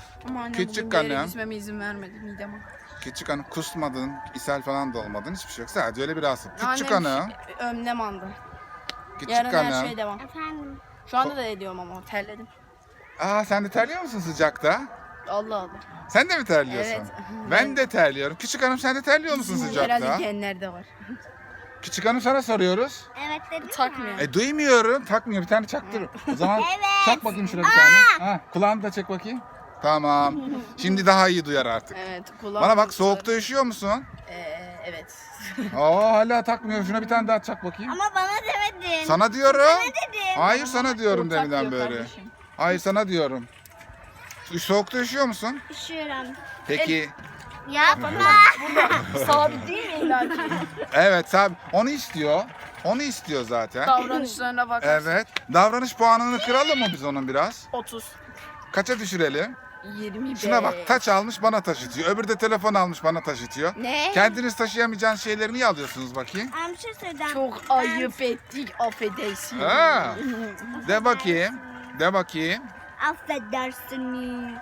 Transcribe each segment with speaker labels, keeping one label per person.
Speaker 1: Ama annem
Speaker 2: Küçük
Speaker 1: bugün bir yere
Speaker 2: hanım.
Speaker 1: gitmeme izin vermedi midem.
Speaker 2: Küçük hanım kusmadın, ishal falan da olmadın. Hiçbir şey yok. Sadece öyle bir rahatsızlık. Küçük
Speaker 1: Annem
Speaker 2: hanım.
Speaker 1: önlem aldı.
Speaker 2: Küçük
Speaker 1: Yarın her
Speaker 2: hanım.
Speaker 1: şey devam.
Speaker 3: Efendim.
Speaker 1: Şu anda da ediyorum ama terledim.
Speaker 2: Aa sen de terliyor musun sıcakta?
Speaker 1: Allah Allah.
Speaker 2: Sen de mi terliyorsun?
Speaker 1: Evet.
Speaker 2: Ben de terliyorum. Küçük hanım sen de terliyor musun sıcakta?
Speaker 1: Herhalde genlerde var.
Speaker 2: Küçük hanım sana soruyoruz.
Speaker 3: Evet dedim.
Speaker 1: Takmıyor.
Speaker 2: Duymuyorum. Takmıyor. Bir tane çaktır. O zaman
Speaker 3: Evet.
Speaker 2: çak bakayım şuna bir tane. Ha, kulağını da çek bakayım. Tamam. Şimdi daha iyi duyar artık.
Speaker 1: Evet kulağım.
Speaker 2: Bana bak soğukta üşüyor musun?
Speaker 1: Evet.
Speaker 2: Aa hala takmıyor. Şuna bir tane daha çak bakayım.
Speaker 3: Ama bana demedin.
Speaker 2: Sana diyorum.
Speaker 3: dedim.
Speaker 2: Hayır sana diyorum
Speaker 1: Ortak
Speaker 2: deminden
Speaker 1: diyor
Speaker 2: böyle.
Speaker 1: kardeşim.
Speaker 2: Hayır sana diyorum. Soğukta üşüyor musun?
Speaker 3: Üşüyorum.
Speaker 2: Peki.
Speaker 3: Yapma.
Speaker 1: Sabit değil mi illaki?
Speaker 2: Evet abi onu istiyor. Onu istiyor zaten.
Speaker 1: Davranışlarına bakarsın.
Speaker 2: Evet. Davranış puanını kıralım mı biz onun biraz?
Speaker 1: 30.
Speaker 2: Kaça düşürelim?
Speaker 1: 25.
Speaker 2: Şuna bak taç almış bana taşıtıyor. Öbürü de telefon almış bana taşıtıyor.
Speaker 1: Ne?
Speaker 2: Kendiniz taşıyamayacağınız şeyleri niye alıyorsunuz bakayım?
Speaker 3: Bir şey söyleyeceğim.
Speaker 1: Çok ayıp ettik affedersin.
Speaker 2: Ha. De bakayım. De bakayım.
Speaker 3: Affedersiniz.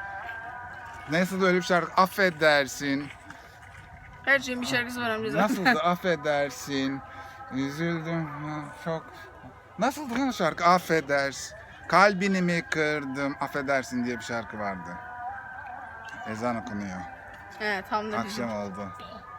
Speaker 2: Nasıl öyle bir şarkı? Affedersin.
Speaker 1: Her şeyin bir şarkısı var amca zaten.
Speaker 2: Nasıldı? Affedersin. Üzüldüm. Ha, çok. Nasıldı lan o şarkı? Affedersin. Kalbini mi kırdım? Affedersin diye bir şarkı vardı. Ezan okunuyor.
Speaker 1: He tam da bizim.
Speaker 2: Akşam oldu.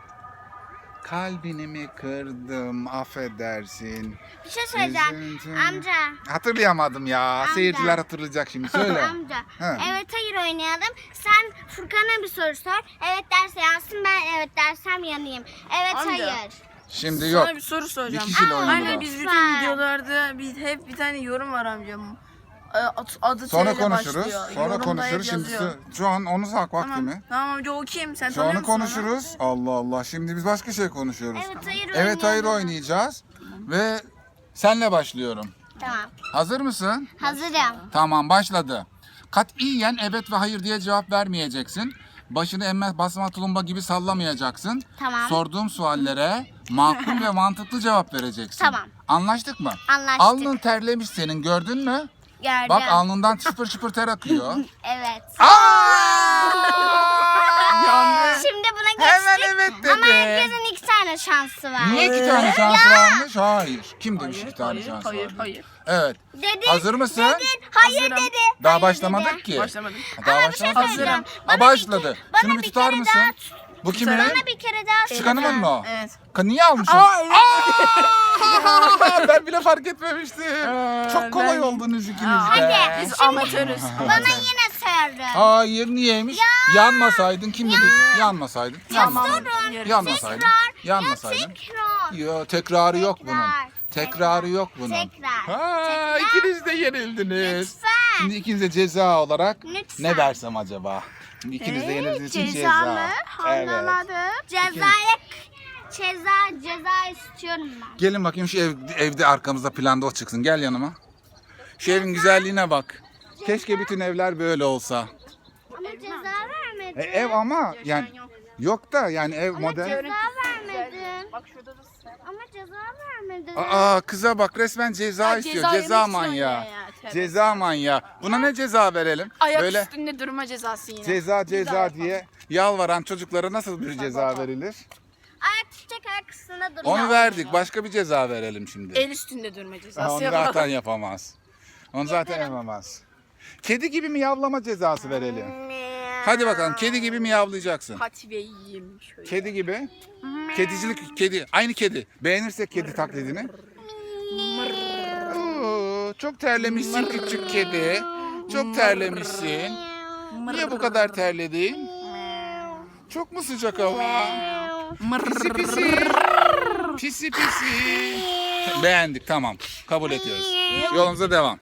Speaker 2: Kalbini mi kırdım? Affedersin.
Speaker 3: Bir şey söyleyeceğim.
Speaker 2: Üzüldüm.
Speaker 3: Amca.
Speaker 2: Hatırlayamadım ya. Seyirciler hatırlayacak şimdi. Söyle.
Speaker 3: Amca.
Speaker 2: He.
Speaker 3: Evet hayır oynayalım. Sen Furkan'a bir soru sor. Evet derse yansın, ben evet dersem yanayım. Evet
Speaker 1: Amca.
Speaker 3: hayır.
Speaker 2: Şimdi yok.
Speaker 1: Sana bir soru soracağım.
Speaker 2: Bir kişiyle oynanır
Speaker 1: Anne
Speaker 2: o.
Speaker 1: biz bütün
Speaker 3: Lütfen.
Speaker 1: videolarda hep bir tane yorum var amcam. Adı
Speaker 2: Sonra
Speaker 1: T ile
Speaker 2: konuşuruz.
Speaker 1: başlıyor.
Speaker 2: Sonra
Speaker 1: Yorumda hep
Speaker 2: konuşuruz. Şimdi
Speaker 1: yazıyor.
Speaker 2: şu an onu sak vakti
Speaker 1: Tamam.
Speaker 2: mi?
Speaker 1: Tamam amca o kim? Sen
Speaker 2: Sonra
Speaker 1: tanıyor musun onu?
Speaker 2: konuşuruz. Allah Allah. Şimdi biz başka şey konuşuyoruz.
Speaker 3: Evet hayır
Speaker 2: Evet hayır
Speaker 3: oynayalım.
Speaker 2: oynayacağız. Ve senle başlıyorum.
Speaker 3: Tamam.
Speaker 2: Hazır mısın?
Speaker 3: Hazırım.
Speaker 2: Tamam başladı. Katiyen evet ve hayır diye cevap vermeyeceksin. Başını emme basma tulumba gibi sallamayacaksın.
Speaker 3: Tamam.
Speaker 2: Sorduğum suallere makul ve mantıklı cevap vereceksin.
Speaker 3: Tamam.
Speaker 2: Anlaştık mı?
Speaker 3: Anlaştık.
Speaker 2: Alnın terlemiş senin gördün mü?
Speaker 3: Gördüm.
Speaker 2: Bak alnından çıpır çıpır ter akıyor.
Speaker 3: Evet.
Speaker 2: Yandı.
Speaker 3: Şimdi buna geçtik.
Speaker 2: Hemen evet dedi.
Speaker 3: Ama herkesin 2 tane şansı var.
Speaker 2: Niye iki tane şansı varmış? Hayır. Kim demiş iki tane şansı
Speaker 1: hayır,
Speaker 2: varmış?
Speaker 1: hayır.
Speaker 2: Evet.
Speaker 3: Dedin.
Speaker 2: Hazır mısın?
Speaker 3: Dedin. Hayır
Speaker 1: Hazırım.
Speaker 3: dedi.
Speaker 2: Daha
Speaker 3: Hayır
Speaker 2: başlamadık
Speaker 3: dedi.
Speaker 2: ki.
Speaker 1: Başlamadım.
Speaker 2: Daha
Speaker 3: Ama bir şey
Speaker 2: başlamadık.
Speaker 3: söyleyeceğim.
Speaker 2: Ha,
Speaker 3: Bana
Speaker 2: başladı.
Speaker 3: bir- bana
Speaker 2: Şunu bir
Speaker 3: bir
Speaker 2: tutar
Speaker 3: kere
Speaker 2: mısın?
Speaker 3: daha
Speaker 2: Bu kimin?
Speaker 3: Bana bir kere daha
Speaker 2: Küçük hanımın mı o?
Speaker 1: Evet.
Speaker 2: Niye almışsın?
Speaker 1: Aa, evet.
Speaker 2: Ben bile fark etmemiştim. Çok kolay
Speaker 1: ben-
Speaker 2: oldunuz ikiniz
Speaker 3: Hadi.
Speaker 2: de.
Speaker 1: Biz amatörüz.
Speaker 3: Bana yine sordu.
Speaker 2: Hayır niyeymiş? Yanmasaydın kim dedi? Yanmasaydın.
Speaker 1: Tamam.
Speaker 2: Yanmasaydın. Yanmasaydın.
Speaker 3: Tekrar.
Speaker 2: Yo, tekrarı yok bunun. Tekrarı yok bunun.
Speaker 3: Tekrar.
Speaker 2: Ha, ikiniz de yenildiniz.
Speaker 3: Lütfen.
Speaker 2: Şimdi ikinize ceza olarak
Speaker 3: Lütfen.
Speaker 2: ne versem acaba? Şimdi ikiniz de yenildiğiniz için
Speaker 1: ceza
Speaker 2: ceza.
Speaker 1: mı?
Speaker 2: Evet.
Speaker 1: Anlamadım.
Speaker 3: Ceza istiyorum ben.
Speaker 2: Gelin bakayım şu evde arkamızda planda o çıksın. Gel yanıma. Şu evin güzelliğine bak. Keşke bütün evler böyle olsa.
Speaker 3: Ama ceza vermedin.
Speaker 2: Ev ama yani yok da yani ev model.
Speaker 3: Ceza vermedin.
Speaker 1: Bak şurada da
Speaker 3: Ama ceza vermedin.
Speaker 2: Aa kıza bak resmen ceza
Speaker 1: Ha,
Speaker 2: istiyor.
Speaker 1: ceza
Speaker 2: Ceza
Speaker 1: yemek
Speaker 2: manyağı.
Speaker 1: istiyor ya, tövbe.
Speaker 2: Ceza manyağı. Buna ne ceza verelim?
Speaker 1: Ayak
Speaker 2: Böyle
Speaker 1: üstünde durma cezası yine.
Speaker 2: ceza diye yalvaran çocuklara nasıl bir ceza verilir?
Speaker 3: Ayak tutacak ayak üstünde dur.
Speaker 2: Onu verdik. Başka bir ceza verelim şimdi.
Speaker 1: El üstünde durma
Speaker 2: Ha,
Speaker 1: cezası
Speaker 2: onu
Speaker 1: yapalım.
Speaker 2: zaten yapamaz. Onu zaten yapamaz. Kedi gibi miyavlama cezası verelim. Hadi bakalım kedi gibi miyavlayacaksın.
Speaker 1: Hadi beyim şöyle.
Speaker 2: Kedi gibi. Kedicilik kedi. Aynı kedi. Beğenirsek kedi taklidini. Oo, çok terlemişsin küçük kedi. Çok terlemişsin. Niye bu kadar terledin? Çok mu sıcak hava? Pisi pisi. Pisi pisi. Beğendik tamam. Kabul ediyoruz. Yolumuza devam.